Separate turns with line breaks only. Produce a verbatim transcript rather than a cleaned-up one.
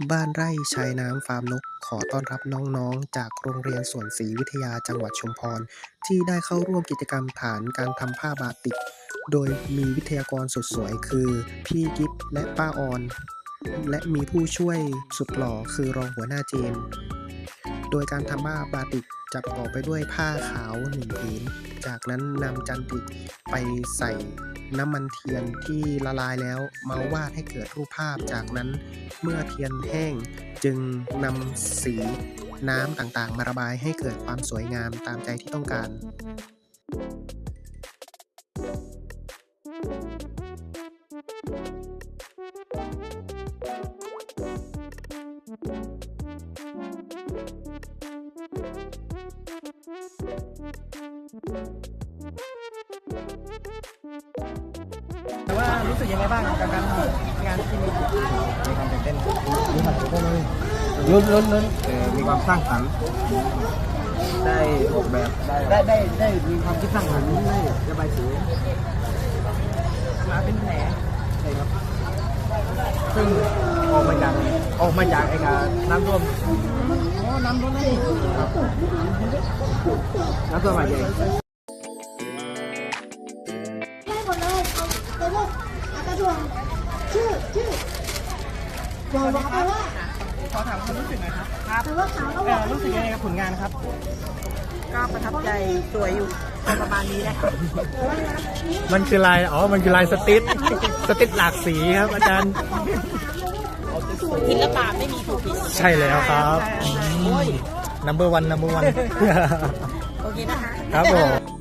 บ้านไร่ชายน้ำฟาร์มนกขอต้อนรับน้องๆจากโรงเรียนสวนศรีวิทยาจังหวัดชุมพรที่ได้เข้าร่วมกิจกรรมฐานการทำผ้าบาติกโดยมีวิทยากรสุดสวยคือพี่กิฟและป้าออนและมีผู้ช่วยสุดหล่อคือรองหัวหน้าเจนโดยการทำผ้าบาติกจะประกอบไปด้วยผ้าขาวหนึ่งผืนจากนั้นนำจันติไปใส่น้ำมันเทียนที่ละลายแล้วมาวาดให้เกิดรูปภาพจากนั้นเมื่อเทียนแห้งจึงนำสีน้ำต่างๆมาระบายให้เกิดความสวยงามตามใจที่ต้องการแต่ว่ารู้สึกยังไงบ้างกับการงานที่มีมีความตื่นเต้นมีความตื่นเต้นลุ้นลุ้นลุ้นเออมีความสร้างสรรค์ได้ออกแบบได้ได้ได้มีความคิดสร้างสรรค์ได้ระบายสีมาเป็นแผลใช่ครับซึ่งออกมาจากออกมาจากไอ้การน้ำท่วมอ๋อน้ำท่วมนี่ครับน้ำท่วมมาใหญ่
ชื่อชื่อบอกว่าแปลว่า
ขอถามความรู้สึกหน่อยครับครับ
แปลว่าขาวแล้ว
เออรู้สึกยังไงกับผลงานครับ
ก็ประทับใจสวยอยู่ประมาณนี้นะคะ
มันคือลาย อ๋อ มันคือลายสติ๊ดสติ๊ดหลากสีครับอาจารย์
ศิลปะไม่มีถูกผิด
ใช่แล้วครับ number one number one
โอเคนะคะ
ครับผม